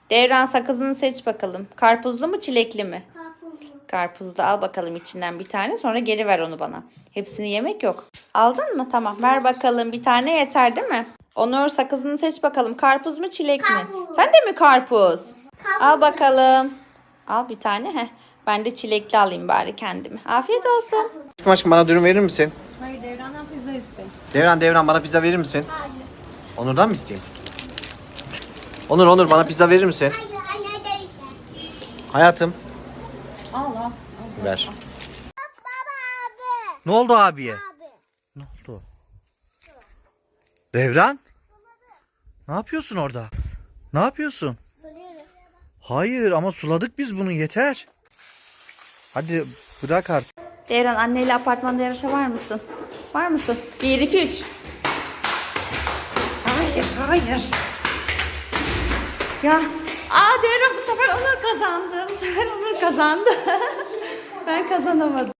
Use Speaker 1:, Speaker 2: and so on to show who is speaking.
Speaker 1: Devran, sakızını seç bakalım. Karpuzlu mu çilekli mi?
Speaker 2: Karpuzlu.
Speaker 1: Karpuzlu, al bakalım içinden bir tane, sonra geri ver onu bana. Hepsini yemek yok. Aldın mı? Tamam, ver bakalım, bir tane yeter değil mi? Onur, sakızını seç bakalım. Karpuz mu çilek mi?
Speaker 2: Karpuz.
Speaker 1: Sen de mi karpuz?
Speaker 2: Karpuz.
Speaker 1: Al bakalım. Al bir tane. Heh. Ben de çilekli alayım bari kendime. Afiyet olsun.
Speaker 3: Aşkım bana dürüm verir misin?
Speaker 1: Hayır, Devran'dan pizza iste.
Speaker 3: Devran bana pizza verir misin?
Speaker 2: Hayır.
Speaker 3: Onur'dan mı isteyeyim? Onur bana pizza verir misin?
Speaker 2: Hayır. Anne de işte.
Speaker 3: Hayatım.
Speaker 1: Al.
Speaker 3: Ver.
Speaker 2: Baba abi.
Speaker 3: Ne oldu abiye?
Speaker 2: Abi.
Speaker 3: Ne oldu? Devran? Ne yapıyorsun orada? Ne yapıyorsun?
Speaker 2: Soruyorum.
Speaker 3: Hayır ama suladık biz bunu, yeter. Hadi bırak artık.
Speaker 1: Devran, anneyle apartmanda yarışa var mısın? Var mısın? 1, 2, 3. Hayır. Ya. Devran, bu sefer Onur kazandı. Ben kazanamadım.